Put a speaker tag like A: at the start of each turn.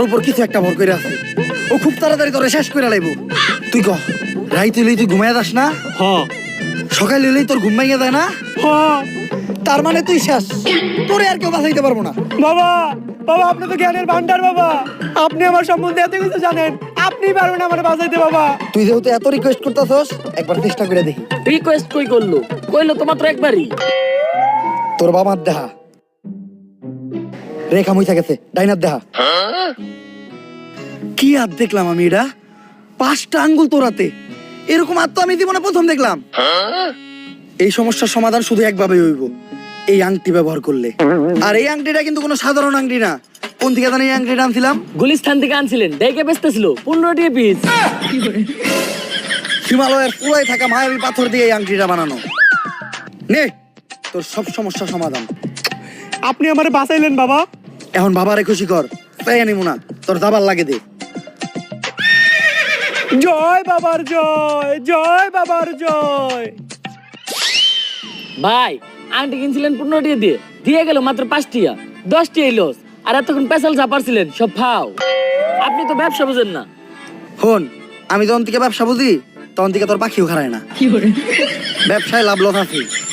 A: উপর কিছু একটা ভর করে আছে। ও খুব তাড়াতাড়ি তোরে শেষ করে লাইব। তুই কহ, রাইতে হইলেই তুই ঘুমাইয়া যাস না? সকালে হইলেই তোর ঘুম ভাঙিয়া যায় না? তার মানে তুই শেষ, তোরে আর কেউ বাঁচাইতে পারবো না।
B: বাবা, বাবা আপনি তো জ্ঞানের ভান্ডার বাবা। আপনি আমার সম্বন্ধে এত কিছু জানেন, আপনি পারবেন আমার বাঁচাইতে বাবা।
A: তুই যেহেতু এত রিকোয়েস্ট করতেছস, একবার চেষ্টা করে দেখি।
C: রিকোয়েস্ট কই করলো? কইলো তো মাত্র একবারই।
A: তোর বাবার দেহা রেখা মুইছা গেছে, ডাইনার দেহা। কি হাত দেখলাম আমি, এটা 5টা আঙ্গুল তোরাতে। এরকম হাত তো আমি জীবনে প্রথম দেখলাম। এই সমস্যার সমাধান শুধু একভাবেই হইব, এই আংটি ব্যবহার করলে। আর এই আংটিটা কিন্তু কোনো সাধারণ আংটি না। কোন থেকে জানি এই আংটিটা আনছিলাম?
C: গুলিস্তান থেকে আনছিলেন, দেখে বেচতেছিল 15 টাকা পিস।
A: হিমালয়ের পুরাই থাকা মায়াবী পাথর দিয়ে এই আংটিটা বানানো। নে তোর সব সমস্যা সমাধান।
B: আপনি আমারে বাঁচাইলেন বাবা।
A: এখন বাবারে খুশি কর, তাই আনিমু না, তোর দাবার লাগে দে।
B: জয় বাবার জয়, জয় বাবার জয়।
C: ভাই আন্টি কিনছিলেন 15 টাকা দিয়ে, দিয়ে গেল মাত্র 5 টাকা। 10 টাকা লস। আর এতক্ষণ পেশাল চাপারছিলেন সব ফাও। আপনি তো ব্যবসা বুঝেন না।
A: হন, আমি যখন থেকে ব্যবসা বুঝি তখন থেকে তোর পাখিও খারায় না। ব্যবসায় লাভ লস আছে।